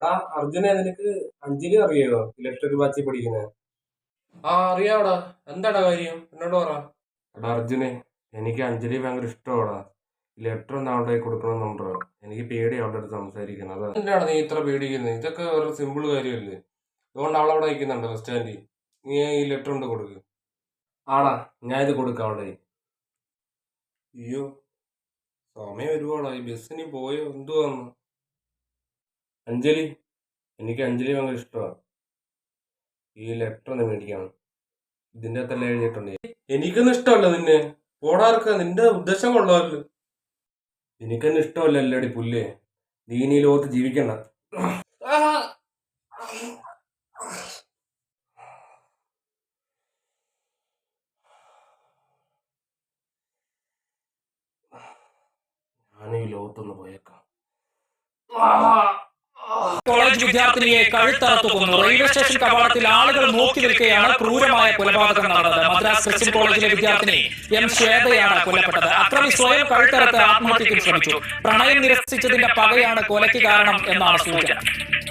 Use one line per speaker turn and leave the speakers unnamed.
ആ അർജുനെ നിനക്ക് അഞ്ജലി അറിയോ ഇലക്ട്രിക് ബാച്ചിൽ പഠിക്കുന്നത്? ആ അറിയാവടാ. എന്താടാ കാര്യം എന്നോട് പറ. എടാ അർജുനെ, എനിക്ക് അഞ്ജലി ഭയങ്കര ഇഷ്ടമാടാ. ലെറ്റർ ഒന്ന് അവളുടെ കയ്യിൽ കൊടുക്കണമെന്നുണ്ടോ? എനിക്ക് പേടി അവളുടെ അടുത്ത് സംസാരിക്കണം. അത് എന്തിനാണ് നീ ഇത്ര പേടിക്കുന്നത്? ഇതൊക്കെ ഒരു സിമ്പിൾ കാര്യമല്ലേ. അതുകൊണ്ട് അവളവിടെ നിൽക്കുന്നുണ്ട് ബസ് സ്റ്റാൻഡിൽ. നീ ഈ ലെറ്റർ കൊണ്ട് കൊടുക്ക്. ആടാ, ഞാൻ ഇത് കൊടുക്കാം അവളുടെ കയ്യിൽ. അയ്യോ, സമയം ഒരുപാടായി. ബസ്സിന് പോയോ എന്തുവാന്ന്? അഞ്ജലി, എനിക്ക് അഞ്ജലി ഭയങ്കര ഇഷ്ടമാണ്. ഈ ലെറ്റർ ഒന്ന് മേടിക്കണം. ഇതിന്റെ അകത്തെല്ലാം എഴുതിയിട്ടുണ്ട്. എനിക്കൊന്നും ഇഷ്ടമല്ല നിന്നെ. പോടാർക്ക, നിന്റെ ഉദ്ദേശം കൊള്ളാമല്ലോ. എനിക്കൊന്നും ഇഷ്ടമല്ല അല്ലടി പുല്ലേ. നീ ഇനി ഈ ലോകത്ത് ജീവിക്കണ്ട. ഞാൻ ഈ ലോകത്തൊന്ന് പോയേക്കാം.
കോളേജ് വിദ്യാർത്ഥിനിയെ കഴുത്തറത്തു കൊന്നു. റെയിൽവേ സ്റ്റേഷൻ കവാടത്തിൽ ആളുകൾ നോക്കി നിൽക്കുകയാണ് ക്രൂരമായ കൊലപാതകം നടന്നത്. മദ്രാസ് ക്രിസ്ത്യൻ കോളേജിലെ വിദ്യാർത്ഥിനി എം ശ്വേതയാണ് കൊല്ലപ്പെട്ടത്. അക്രമി സ്വയം കഴുത്തറത്ത് ആത്മഹത്യയ്ക്ക് ശ്രമിച്ചു. പ്രണയം നിരസിച്ചതിന്റെ പകയാണ് കൊലയ്ക്ക് കാരണം എന്നാണ് സൂചന.